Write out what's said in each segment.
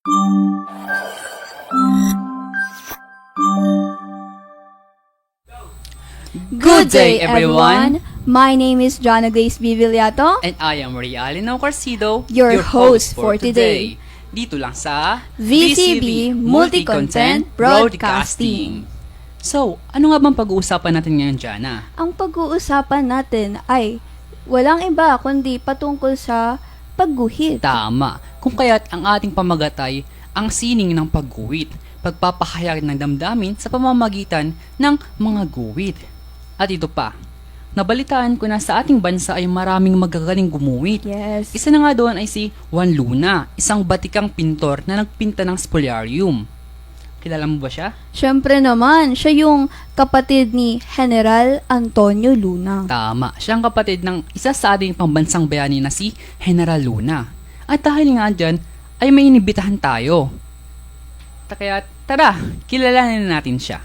Good day, everyone! My name is Jana Grace Vivillato, And I am Realino Carcido, your host for today. Dito lang sa VCB Multi-Content Broadcasting. So, ano nga bang pag-uusapan natin ngayon, Jana? Ang pag-uusapan natin ay walang iba kundi patungkol sa pagguhit. Tama. Kung kaya't ang ating pamagatay ang sining ng pagguhit, pagpapahayag ng damdamin sa pamamagitan ng mga guhit. At ito pa, nabalitaan ko na sa ating bansa ay maraming magagaling gumuhit. Yes. Isa na nga doon ay si Juan Luna, isang batikang pintor na nagpinta ng spoliarium. Kilala mo ba siya? Siyempre naman, siya yung kapatid ni General Antonio Luna. Tama, siya ang kapatid ng isa sa ating pambansang bayani na si General Luna. At dahil nga dyan, ay may inibitahan tayo. Kaya tara, kilalanin natin siya.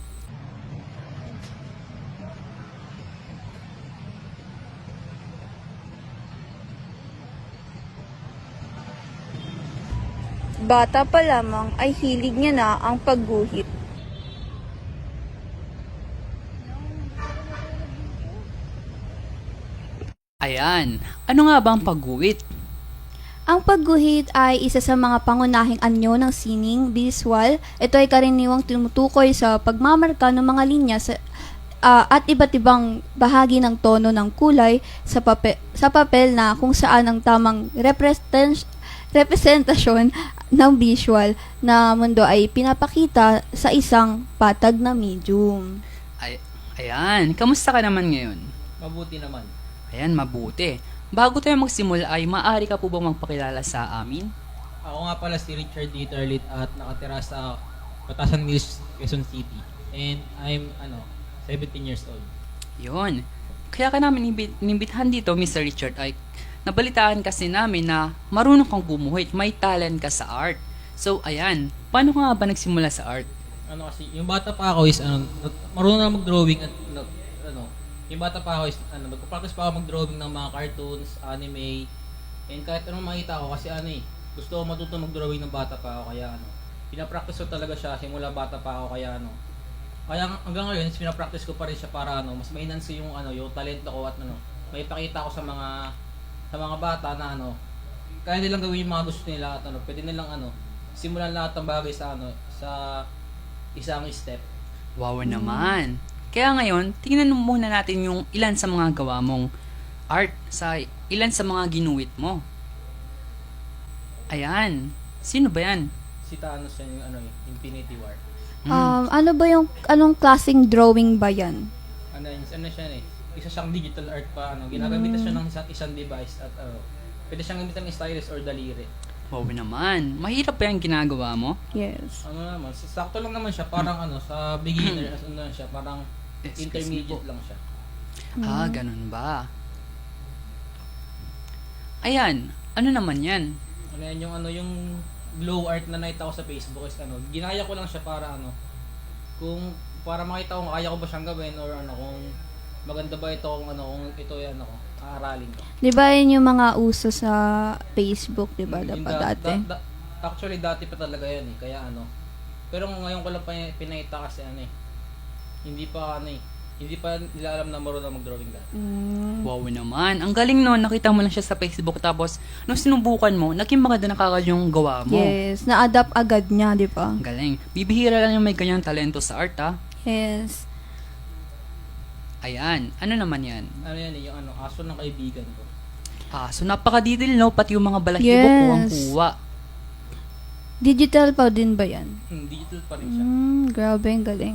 Bata pa lamang ay hilig niya na ang pagguhit. Ayan, ano nga ba ang pagguhit? Ang pagguhit ay isa sa mga pangunahing anyo ng sining visual. Ito ay karaniwang tumutukoy sa pagmamarka ng mga linya at iba't ibang bahagi ng tono ng kulay sa papel na kung saan ang tamang representasyon ng visual na mundo ay pinapakita sa isang patag na medium. Ayan, kamusta ka naman ngayon? Mabuti naman. Ayan, mabuti. Bago tayo magsimula ay maaari ka po bang magpakilala sa amin? Ako nga pala si Richard D. Tarlit at nakatira sa Batasan Mills, Quezon City. And I'm 17 years old. Yun. Kaya ka namin inimbitahan dito, Mr. Richard, ay nabalitaan kasi namin na marunong kang gumuhit, may talent ka sa art. So, ayan, paano ka nga ba nagsimula sa art? Kasi, yung bata pa ako is, marunong na mag-drawing at, yung bata pa ako is, magpa-practice pa ako mag-drawing ng mga cartoons, anime, and kahit anong makita ko kasi gusto ko matuto mag-drawing ng bata pa ako, kaya pinapractice ko talaga siya simula bata pa ako, kaya kaya hanggang ngayon, pinapractice ko pa rin siya para mas ma-enhance yung yung talento ko at may pakita ko sa mga bata na kaya nilang gawin yung mga gusto nila at pwede nilang simulan lahat ng bagay sa sa isang step. Wow naman. Kaya ngayon, tingnan muna natin yung ilan sa mga gawa mong art, sa ilan sa mga ginuhit mo. Ayan. Sino ba yan? Si Thanos yan yung Infinity War. Ano ba yung, anong klaseng drawing ba yan? Ano siya isa siyang digital art pa ginagamit siya ng isang device at pwede siyang gamitin ng stylus or daliri. Wow naman. Mahirap pa yung ginagawa mo? Yes. Naman, sakto lang naman siya, parang sa beginner, siya, parang Excuse me intermediate po. lang siya. Ganun ba? Ayan. Ano naman yan? Yung glow art na nakita ko sa Facebook is ginaya ko lang siya para kung para makita kung kaya ko ba siyang gawin or kung maganda ba ito kung ito aaralin ko. Di ba yun yung mga uso sa Facebook, di ba? Yung Dati. Actually dati pa talaga yan kaya pero ngayon ko lang pinakita kasi hindi pa nila alam na marunong mag-drawing dati. Wow naman. Ang galing nun. Nakita mo lang siya sa Facebook tapos nung sinubukan mo, naging maganda na kagad yung gawa mo. Yes. Na-adapt agad niya, di ba? Ang galing. Bibihira lang yung may ganyang talento sa art, ha? Yes. Ayan. Ano naman yan? Yung aso ng kaibigan ko. So napaka-detail, no? Pati yung mga balahibo, Yes. kuwang-kuwa. Digital pa din ba yan? Digital pa rin siya. Grabe, ang galing.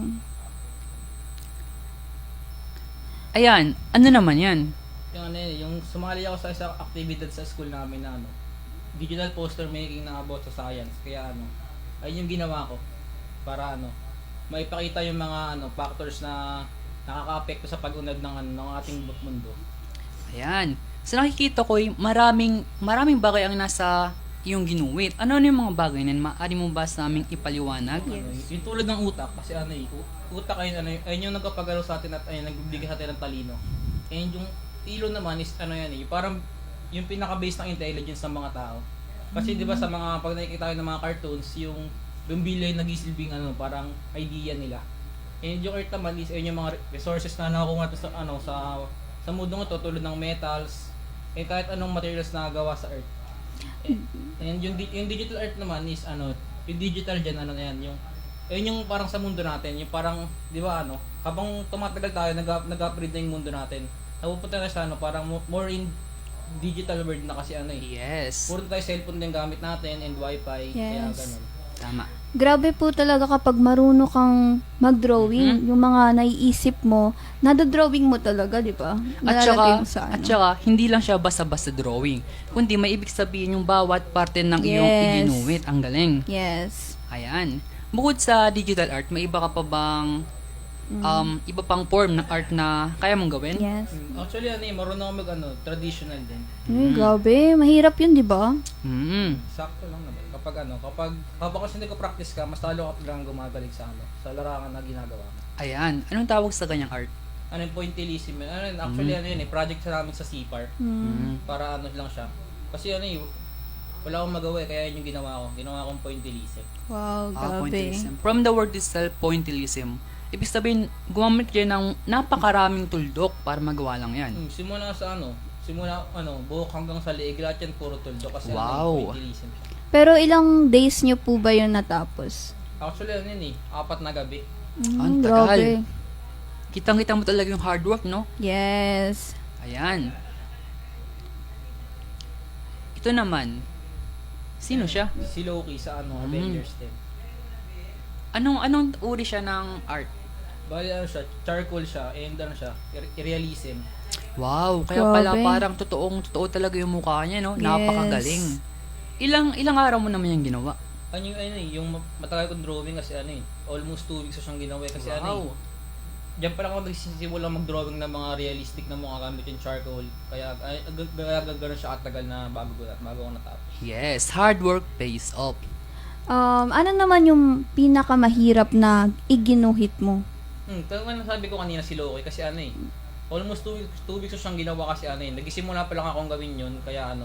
Ayan. Ano naman yan? Yung sumali ako sa isang activity sa school namin na digital poster making na about sa science. Kaya ayun yung ginawa ko para maipakita yung mga factors na nakaka-apekto sa pag-unlad ng ating mundo. Ayan. So nakikita ko, maraming bagay ang nasa iyong ginuwit. Ano yung mga bagay na maaari mo ba sa aming ipaliwanag? Yes. Yung tulad ng utak, kasi utak ay ayun yung nagpapagalaw sa atin at nagbibigay sa atin ng talino. And yung ilo naman is parang yung pinaka-base ng intelligence ng mga tao. Kasi 'di ba sa mga pag nakikita tayo ng mga cartoons, yung bumbilya yung nagisilbing parang idea nila. And yung Earth naman is yung mga resources na nakukuha natin sa mundong ito tulad ng metals and kahit anong materials na gawa sa Earth. And yung digital Earth naman is yung digital dyan na yan, yung parang sa mundo natin, yung parang 'di ba habang tumatagal tayo nag-upgrade na yung mundo natin. Napupunta na sa parang more in digital world na kasi Yes. puro tayo cellphone din gamit natin and wifi, kaya Yes. ganun. Tama. Grabe po talaga kapag marunong kang mag-drawing, yung mga naiisip mo, nadodrawing mo talaga, di ba? Nalalagay mo sa At saka, hindi lang siya basta-basta drawing, kundi may ibig sabihin yung bawat parte ng iyong Yes. iginuwit. Ang galing. Yes. Ayan. Bukod sa digital art, may iba ka pa bang iba pang form ng art na kaya mong gawin? Yes. Actually marunong ako mag traditional din. Grabe, mahirap yun, di ba? Sakto lang naman. Kapag kasi hindi ko practice ka, mas talo ka lang gumagaling sa larangan na ginagawa mo. Ayan. Anong tawag sa ganyang art? Yung pointillism yun. Actually project sa namin sa CPAR. Para lang siya. Kasi wala akong magawa kaya yun yung ginawa ko. Ginawa kong pointillism. Wow, grabe. Pointillism. From the word itself, pointillism. Ibig sabihin, gumamit kayo ng napakaraming tuldok para magawa lang yan. Simula buhok hanggang sa leeg, lahat yan puro tuldok kasi Wow. pointillism siya. Pero ilang days nyo po ba yun natapos? Actually 4 na gabi. Ang tagal. Kitang-kita mo talaga yung hard work, no? Yes. Ayan. Ito naman, sino siya? Si Loki sa Avengers 10. Anong uri siya ng art? Bali siya, charcoal siya, and realism. Wow, kaya Grabe. pala parang totoo talaga yung mukha niya, no? Yes. Napakagaling. Ilang araw mo naman yung ginawa? Yung matagal kong drawing kasi almost 2 weeks ko siyang ginawa kasi Wow. diyan pa lang ako nagsisimula mag-drawing ng mga realistic na mukha gamit yung charcoal. Kaya gano'n siya katagal na bago ako natapos. Yes, hard work pays off. Ano naman yung pinakamahirap na iginuhit mo? Kaya nga sabi ko kanina si Loki kasi almost 2 weeks ko siyang ginawa kasi nagsisimula pa lang akong gawin yun kaya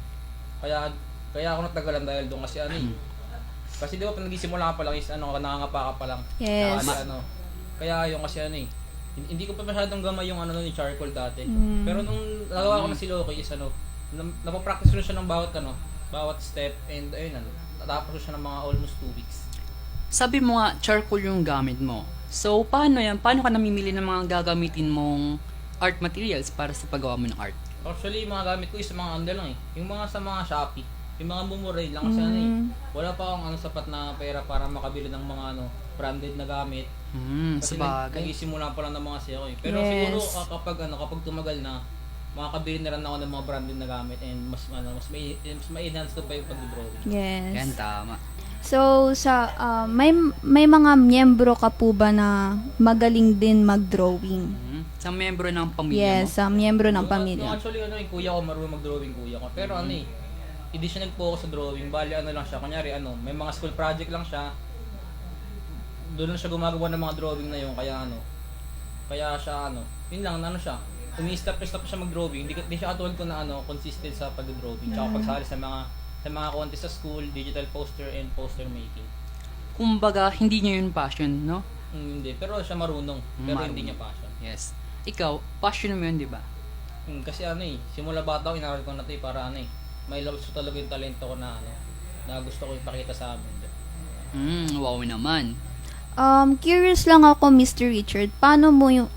kaya ako natagalan dahil doon kasi kasi di ba pag nagsisimula ka pa lang is nangangapa ka pa lang. Yes. Kaya yung kasi hindi ko pa masyadong gamay yung yung charcoal dati. Pero nung nagawa ko na si Loki is napapractice ko na siya ng bawat step and natapos ko siya ng mga almost 2 weeks. Sabi mo nga, charcoal yung gamit mo. So, paano yan? Paano ka namimili ng mga gagamitin mong art materials para sa paggawa mo ng art? Actually, yung mga gamit ko is mga lang yung mga sa mga Shopee. Yung mga mumuray lang kasi wala pa akong sapat na pera para makabili ng mga branded na gamit. Kasi Sabagay. nagsisimula pa lang ng mga sale Pero Yes. siguro kapag tumagal na, makakabili na rin ako ng mga branded na gamit and mas ma-enhance ko pa yung pag-drawing. Yes. Yan, tama. So, may mga miyembro ka po ba na magaling din mag-drawing? Sa membro ng pamilya Yes, miyembro ng pamilya. Actually, yung kuya ko, marunong mag-drawing kuya ko. Pero hindi siya nag-focus sa drawing. Bali, lang siya. Kunyari, may mga school project lang siya. Doon lang siya gumagawa ng mga drawing na yun. Kaya siya, yun lang, siya. Umi-step siya mag-drawing. Hindi siya katulad ko na, consistent sa pag-drawing. Tsaka pagsali sa mga contest sa school, digital poster and poster making. Kumbaga, hindi niya yun passion, no? Hindi. Pero siya marunong. Pero Marunong. hindi niya passion. Yes. Ikaw, passion mo yun, di ba? Kasi simula bata ko, inaral ko na ito para may labas ko talaga yung talento ko na gusto ko ipakita sa amin. Wow naman. Curious lang ako, Mr. Richard, paano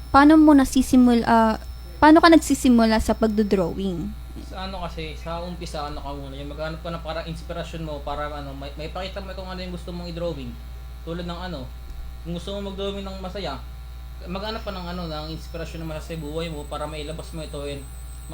ka nagsisimula sa pagdo-drawing? Kasi sa umpisa ka muna, yung maghanap ka na para inspirasyon mo para may pakita mo kung ano yung gusto mong i-drawing. Tulad ng kung gusto mo mag-drawing ng masaya, maghanap ka ng inspirasyon na masaya sa buhay mo para mailabas mo ito and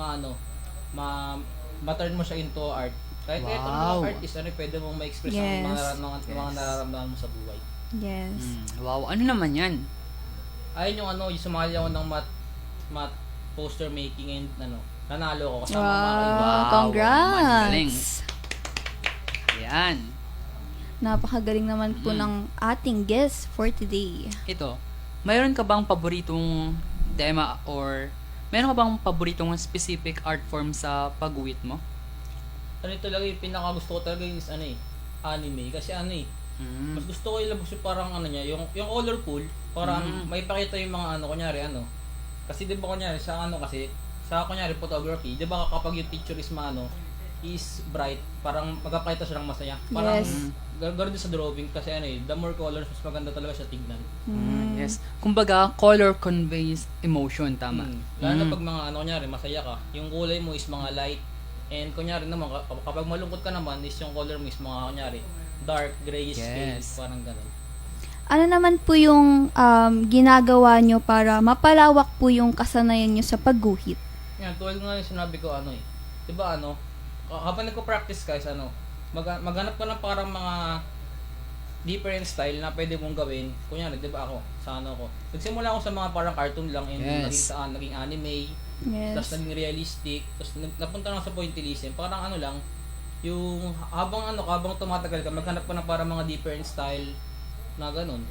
ma-turn mo siya into art. Kahit ito Wow. ng artist, pwede mong ma-express Yes. ang mga nararamdaman mo sa buhay. Yes. Wow, ano naman yan? Ayun yung yung sumali ako ng math poster making and nanalo ko kasama mga Wow, kaibigan. Galing. congrats! Ayan. Napakagaling naman po ng ating guest for today. Ito, mayroon ka bang paboritong tema or meron ka bang paboritong specific art form sa pag-uwit mo? ano talaga yung pinaka gusto ko talaga is ano eh, anime. Kasi ano eh, mas gusto ko ilabas yung parang ano niya, yung colorful, parang may pakita yung mga ano, kunyari ano. Kasi di ba kunyari sa ano kasi, sa kunyari photography, di ba kapag yung picture is maano, is bright, parang magpapakita siya ng masaya. Parang Yes. gano'n din sa drawing kasi ano eh, the more colors, mas maganda talaga siya tignan. Yes. Kumbaga, color conveys emotion, tama. Lalo na pag mga ano, kunyari, masaya ka, yung kulay mo is mga light, and kunyari naman, kapag malungkot ka naman, is yung color mo is mga kunyari, dark, grayish shade, Yes. parang gano'n. Ano naman po yung ginagawa nyo para mapalawak po yung kasanayan nyo sa pagguhit? Yan, tulad nga yung sinabi ko, ano eh, di ba ano, habang nagko-practice guys, ano, maghanap ka ng parang mga different style na pwede mong gawin. Kunyari, di ba ako, sa ano ko, nagsimula ako sa mga parang cartoon lang, and Yes. naging anime, tapos Yes. naging realistic, tapos napunta lang sa pointillism, parang ano lang, yung habang tumatagal ka, maghanap ka ng parang mga different style na ganun.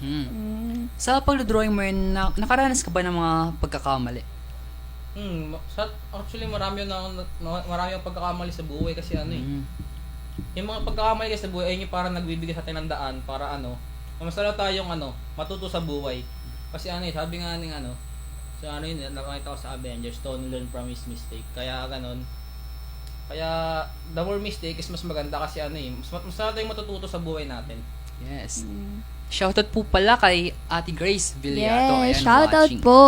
Sa pagdodrawing mo yun, nakaranas ka ba ng mga pagkakamali? Actually marami yung pagkakamali sa buhay kasi ano eh. Yung mga pagkakamali kasi sa buhay ay yung parang nagbibigay sa atin ng daan para ano, masala tayong ano, matuto sa buhay. Kasi ano eh, sabi nga ng ano, so ano yun, nakakita ko sa Avengers, to learn from his mistake. Kaya ganun. Kaya the more mistake is mas maganda kasi ano eh, mas tayong matututo sa buhay natin. Yes. Shoutout po pala kay Ate Grace Villato. Yes, Ayan, shoutout watching. po.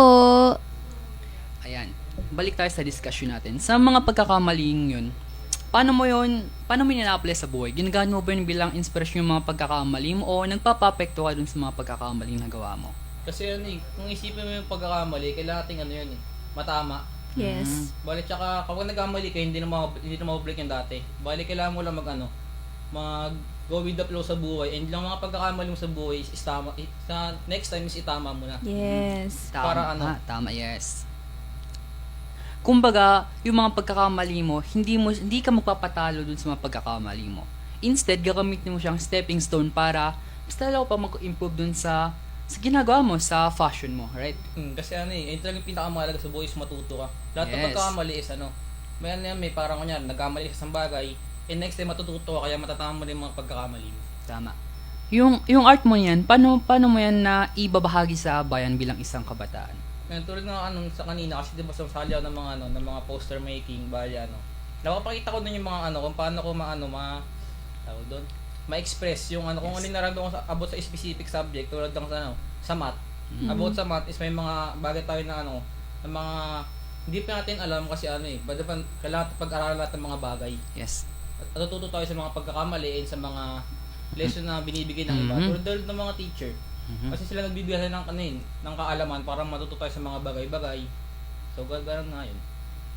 Ayan. Balik tayo sa discussion natin. Sa mga pagkakamaling yun, paano mo nina-apply sa buhay? Ginagamit mo ba yun bilang inspirasyon yung mga pagkakamali mo o nagpapapekto ka dun sa mga pagkakamaling nagawa mo? Kasi ano eh, kung isipin mo yung pagkakamali, kailangan natin ano yun eh, matama. Yes. Bali, tsaka kapag nagkamali ka, hindi na mabalik yung dati. Bali, kailangan mo lang go with the flow sa buhay, and lang mga pagkakamali mo sa buhay is tama, sa next time is itama mo na. Yes. Tama, Para ano? Tama, yes. Kumbaga, yung mga pagkakamali mo, hindi ka magpapatalo dun sa mga pagkakamali mo. Instead, gagamitin mo siyang stepping stone para mas lalo pa mag-improve dun sa ginagawa mo, sa fashion mo, right? Kasi ano eh, yung talagang pinakamahalaga sa buhay is matuto ka. Lahat ng Yes. pagkakamali is ano, may parang kunyari, nagkamali ka sa isang bagay, and next time matututo ka, kaya matatama mo rin yung mga pagkakamali mo. Tama. Yung art mo yan, paano mo yan na ibabahagi sa bayan bilang isang kabataan? Ngayon, tulad nga ano sa kanina, kasi diba sasali ako ng mga poster making, bali ano. Napapakita ko din yung mga ano, kung paano ko tawag doon, ma-express yung ano, kung ano yung nararamdaman ko about sa specific subject, tulad ng sa math. About sa math is may mga bagay tayo na ano, na mga hindi pa natin alam kasi ano eh, kailangan pag-aralan natin ng mga bagay. Yes. At natututo tayo sa mga pagkakamali and sa mga lesson na binibigay ng iba. Tulad ng mga teacher. Kasi sila nagbibigay ng kaalaman para matuto tayo sa mga bagay-bagay. So, gano'n nga yun.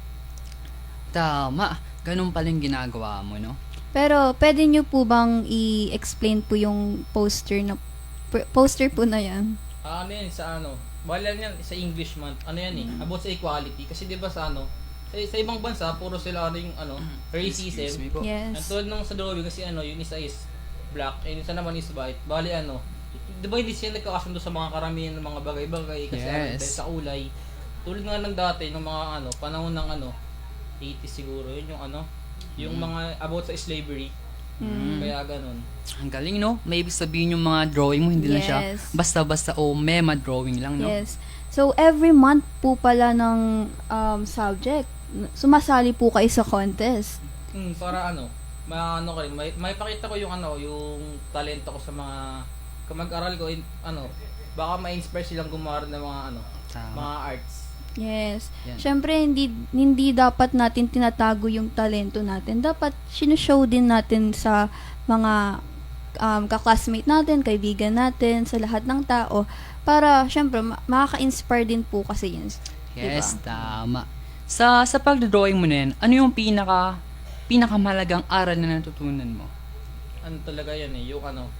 Tama. Ganun pala yung ginagawa mo, no? Pero, pwede nyo po bang i-explain po yung poster po na yan? Ano yan, bala yan sa English month, ano yan eh, about sa equality. Kasi di ba sa ibang bansa, puro sila yung Excuse racism. me po. Ang Yes. tulad nung sa drawing, kasi yung isa is black, and isa naman is white. Bali di ba hindi sila nagkakasundo sa mga karamihan ng mga bagay-bagay kasi Yes. dahil sa kulay. Tulad nga ng dati, ng mga panahon ng 80s siguro, yun yung mga about sa slavery. Kaya ganun. Ang galing, no? May ibig sabihin yung mga drawing mo, hindi lang siya Yes. basta-basta o mema drawing lang, no? Yes. So, every month po pala ng subject, sumasali po kayo sa contest. Para ko rin, may pakita ko yung yung talento ko sa mga mag-aral ko, baka ma-inspire silang gumawa rin ng mga Tama. mga arts. Yes. Yan. Siyempre, hindi dapat natin tinatago yung talento natin. Dapat sinushow din natin sa mga kaklasmate natin, kaibigan natin, sa lahat ng tao. Para, siyempre, makaka-inspire din po kasi yun. Yes, Diba? tama. Sa pagdodrawing mo na yan, ano yung pinakamalagang aral na natutunan mo? Ano talaga yan eh,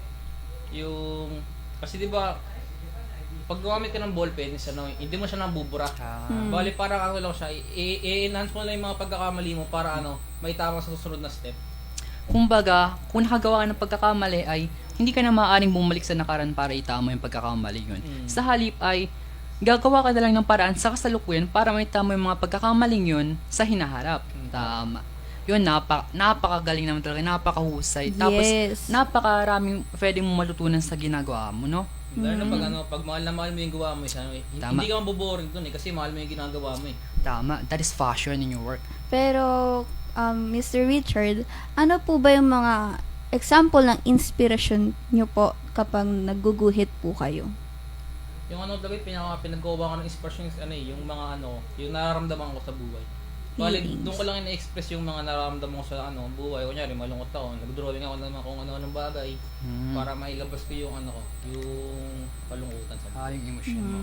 kasi di ba, pag gumamit ka ng ballpen, hindi mo siya nabubura. Bali parang lang siya, i-enhance mo lang yung mga pagkakamali mo para may tama sa susunod na step. Kumbaga, kung nakagawa ka ng pagkakamali ay hindi ka na maaaring bumalik sa nakaraan para itama yung pagkakamali yun. Sa halip ay gagawa ka na lang ng paraan sa kasalukuyan para may tama yung mga pagkakamaling yun sa hinaharap. Tama. yun, napakagaling naman talaga, napakahusay. Tapos, Yes. napakaraming pwedeng mo matutunan sa ginagawa mo, no? Lalo na pag pag mahal na mahal mo yung gawa mo, Tama. hindi ka maboboring dun kasi mahal mo yung ginagawa mo eh. Tama, that is fashion in your work. Pero, Mr. Richard, ano po ba yung mga example ng inspiration nyo po kapag nagguguhit po kayo? Yung talaga pinagkuha ko ng inspiration yung mga yung nararamdaman ko sa buhay. Bali, Feelings. doon ko lang ina-express yung mga nararamdaman ko sa buhay. Kunyari, malungkot ako, nag-drawing ako naman kung ano-anong bagay para mailabas ko yung yung kalungkutan sa buhay. Yung emotion mo.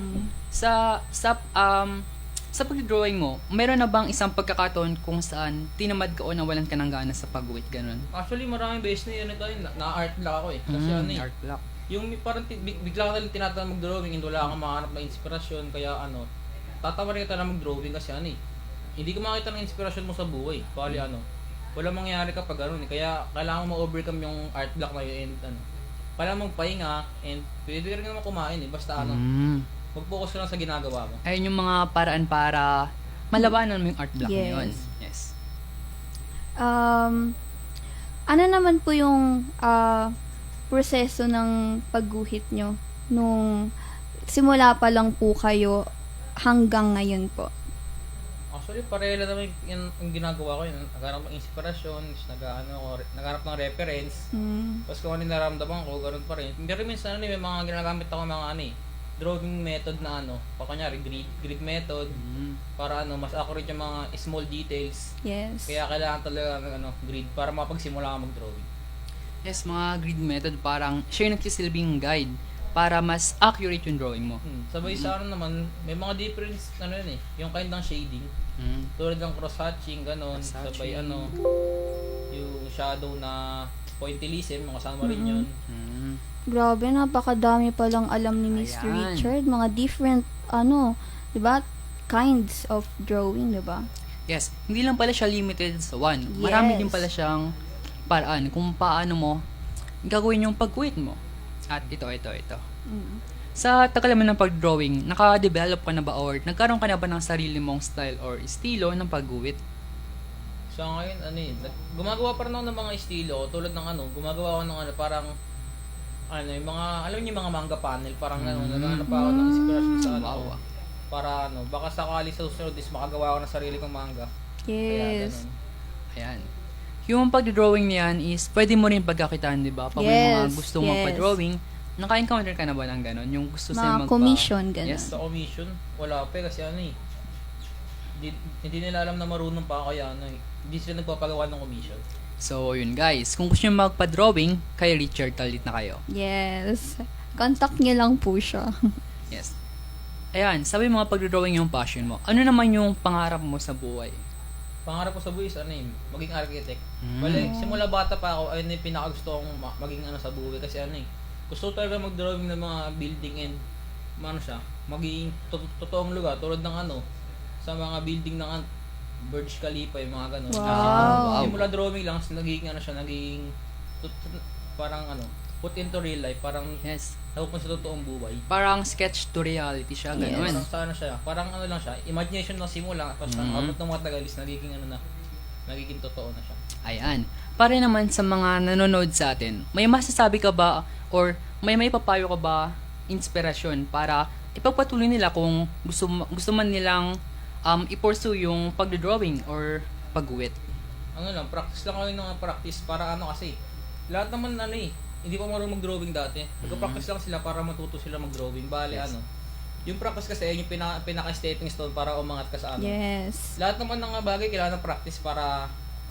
Sa pag-drawing mo, meron na bang isang pagkakataon kung saan tinamad ka o nawalan ka ng gana sa pag-wit, ganun? Actually, maraming beses na na-art block ako eh. Kasi Art block. yung parang bigla ka lang tinatanong mag-drawing and wala kang makahanap ng inspirasyon, kaya tatawa rin ka na mag-drawing kasi hindi ka makita ng inspirasyon mo sa buhay. Bali wala mangyayari kapag kaya kailangan mo ma-overcome yung art block na yun and kailangan mong pahinga and pwede rin naman kumain eh. Basta mag-focus ka lang sa ginagawa mo. Ayun yung mga paraan para malabanan mo yung art block na yun. Yes. Yes. Ano naman po yung proseso ng pagguhit nyo nung simula pa lang po kayo hanggang ngayon po? Actually, pareho lang naman yung ginagawa ko yun. Naghanap ng inspirasyon, naghanap ng reference. Tapos kung ano yung nararamdaman ko, ganun pa rin. Pero minsan may mga ginagamit ako mga drawing method na kunyari grid method para mas accurate yung mga small details. Yes. Kaya kailangan talaga ng grid para mapagsimula ka mag-drawing. Yes, mga grid method parang siya yung nagsisilbing guide para mas accurate yung drawing mo. Sabay sa naman, may mga difference yun eh, yung kind ng shading. Tulad ng cross-hatching, ganon. Sabay yung shadow na pointillism, makasama rin yun. Grabe, napakadami palang alam ni Mr. Ayan. Richard. Mga different, di ba? Kinds of drawing, di ba? Yes, hindi lang pala siya limited sa one. Yes. Marami din pala siyang paraan kung paano mo gagawin yung pag-wit mo. At ito. Sa tagal naman ng pag-drawing, naka-develop ka na ba or nagkaroon ka na ba ng sarili mong style or estilo ng pag-wit? So ngayon, gumagawa pa rin ako ng mga estilo, tulad ng gumagawa ako ng parang, yung mga, alam niyo yung mga manga panel, parang naghahanap pa ako ng inspiration sa Wow. para baka sakali sa susunod is makagawa ako ng sarili kong manga. Kaya Yes. ganun. Ayan. Yung pag-drawing niyan is pwede mo rin pagkakitaan, di ba? Pag may mga Yes, gusto mong yes. pa-drawing, naka-encounter ka na ba ng ganon? Yung gusto sila Mga commission, ganun. Yes. Sa commission, wala pa kasi hindi nila alam na marunong pa ako, kaya hindi sila nagpapagawa ng commission. So, yun guys. Kung gusto nyo magpa-drawing, kay Richard Talit na kayo. Yes. Contact niyo lang po siya. Yes. Ayan, sabi mga pag-drawing yung passion mo. Ano naman yung pangarap mo sa buhay? Pangarap ko sa buhay is maging architect. Bale, simula bata pa ako, ayun yung pinakagusto kong maging sa buhay kasi gusto ko talaga mag-drawing ng mga building and maging totoong lugar tulad ng sa mga building ng Burj Khalifa, yung mga ganun. Wow. Simula drawing lang, naging parang put into real life, parang Yes. napupunta sa totoong buhay. Parang sketch to reality siya, Yes. ganun. Parang sana siya, parang lang siya, imagination lang simula, tapos abot ng mga tagal is nagiging nagiging totoo na siya. Ayan. Para naman sa mga nanonood sa atin, may masasabi ka ba or may papayo ka ba inspirasyon para ipagpatuloy nila kung gusto man nilang i-pursue yung pag-drawing or pag-wit? Practice lang kayo ng practice para kasi lahat naman hindi pa marunong mag-drawing dati. Nagpa-practice lang sila para matuto sila mag-drawing. Bale, Yes. yung practice kasi yung pinaka-stepping stone para umangat ka sa Yes. Lahat naman ng bagay kailangan ng practice para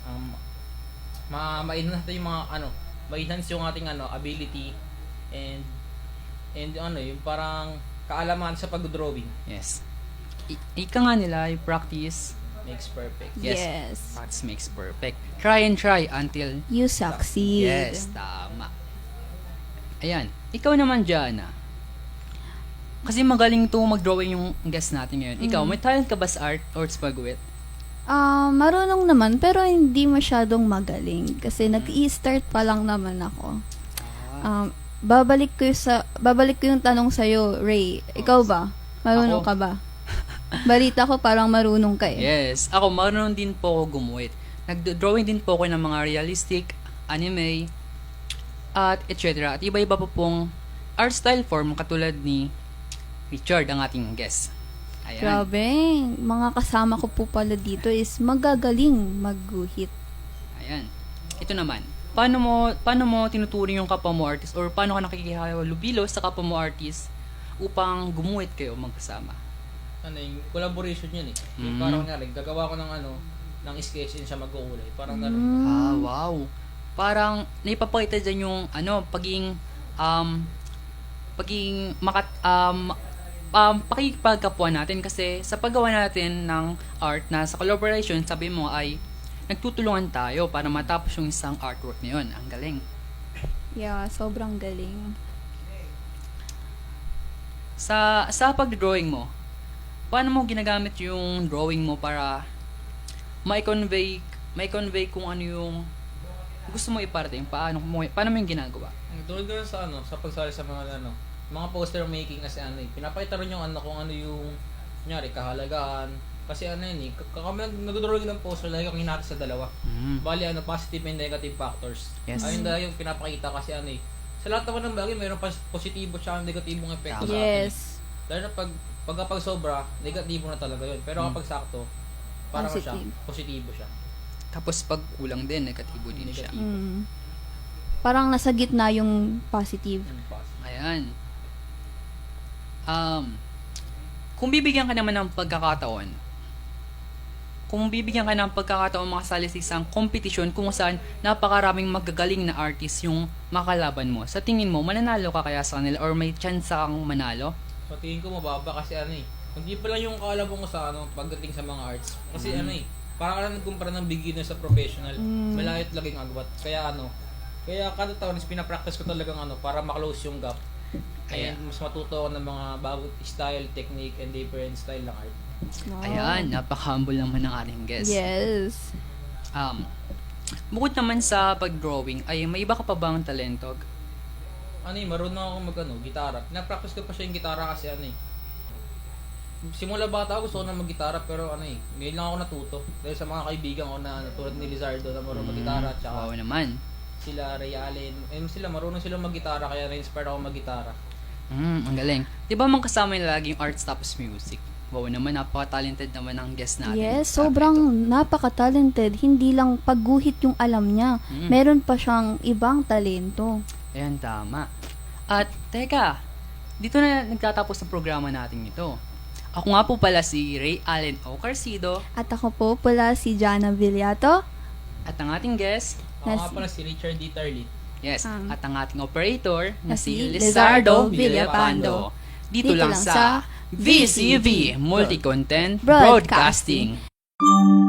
ma-enhance natin yung mga ma-enhance yung ating ability and yung parang kaalaman sa pag-drawing Yes. Ika nga nila, yung practice makes perfect. Yes. Yes. Practice makes perfect. Try and try until You succeed. yes, tama. Ayan. Ikaw naman, Jana. Kasi magaling to mag-drawing yung guest natin ngayon. Ikaw, may talent ka ba sa art or sa pag-wit? Marunong naman, pero hindi masyadong magaling. Kasi nag-i-start pa lang naman ako. Babalik ko yung tanong sa'yo, Ray. Ikaw ba? Marunong Ako? ka ba? Balita ko parang marunong ka eh. Yes. Ako, marunong din po ako gumuhit. Nag-drawing din po ako ng mga realistic, anime, at etc. At iba-iba po pong art style form katulad ni Richard, ang ating guest. Ayan. Grabe, mga kasama ko po pala dito is magagaling magguhit. Ayan. Ito naman. Paano mo tinuturing yung kapwa mo artist or paano ka nakikihalubilo sa kapwa mo artist upang gumuhit kayo magkasama? Ano yung collaboration yun eh. Yung parang nga gagawa ko ng ng sketch and siya magkukulay. Parang gano'n. Ah, wow. Parang naipapakita dyan yung pakikipagkapwa natin kasi sa paggawa natin ng art na sa collaboration, sabi mo ay nagtutulungan tayo para matapos yung isang artwork na yun. Ang galing. Yeah, sobrang galing. Sa pag-drawing mo, paano mo ginagamit yung drawing mo para ma-convey kung ano yung gusto mo iparating? Paano mo yung ginagawa? Tulad ko sa sa pagsali sa mga poster making kasi pinapakita rin yung kung ano yung kunyari kahalagaan. Kasi yun kami nag-drawing ng poster, lagi kong hinati sa dalawa. Bali positive and negative factors. Yes. Ayun dahil yung pinapakita kasi sa lahat naman ng bagay mayroon positibo at negatibong epekto sa atin. Yes. Dahil na pag sobra, negatibo na talaga yun. Pero kapag sakto, parang siya, positibo siya. Tapos pag kulang din, negatibo din siya. Parang nasa gitna yung positive. Ayan. Kung bibigyan ka naman ng pagkakataon, makasali sa isang competition kung saan napakaraming magagaling na artist yung makalaban mo, sa tingin mo, mananalo ka kaya sa kanila or may chance kang manalo? So tingin ko mababa kasi hindi pa lang yung kalaban ko sa pagdating sa mga arts. Kasi parang ka lang nagkumpara ng beginner sa professional. Malayot laging agwat. Kaya kaya kada taon is pinapractice ko talagang para maklose yung gap. Kaya mas matuto ako ng mga bagong style, technique, and different style ng art. Wow. Ayan, napaka-humble naman ng ating guest. Yes. Bukod naman sa pag-drawing, ay may iba ka pa bang talento? Marunong ako gitara. Pinapractice ko pa siya yung gitara kasi simula bata ako gusto ko na mag-gitara pero ngayon lang ako natuto. Dahil sa mga kaibigan ko na tulad ni Lizardo na marunong mag-gitara at Wow naman. sila Ray Allen. Marunong silang mag-gitara kaya na-inspire ako mag-gitara. Ang galing. Di ba man kasama yung laging arts tapos music? Wow naman, napaka-talented naman ang guest natin. Yes, sobrang napaka-talented. Hindi lang pagguhit yung alam niya. Meron pa siyang ibang talento. Ayan, tama. At, teka, dito na nagtatapos ang programa natin ito. Ako nga po pala si Ray Allen O. Carcido. At ako po pala si Jana Villato. At ang ating guest, Ako nga pala si Richard D. Tarlit. yes, at ang ating operator na si Lizardo Lizardo Villapando. Dito lang sa VCV Multi-Content Broadcasting. Broadcasting.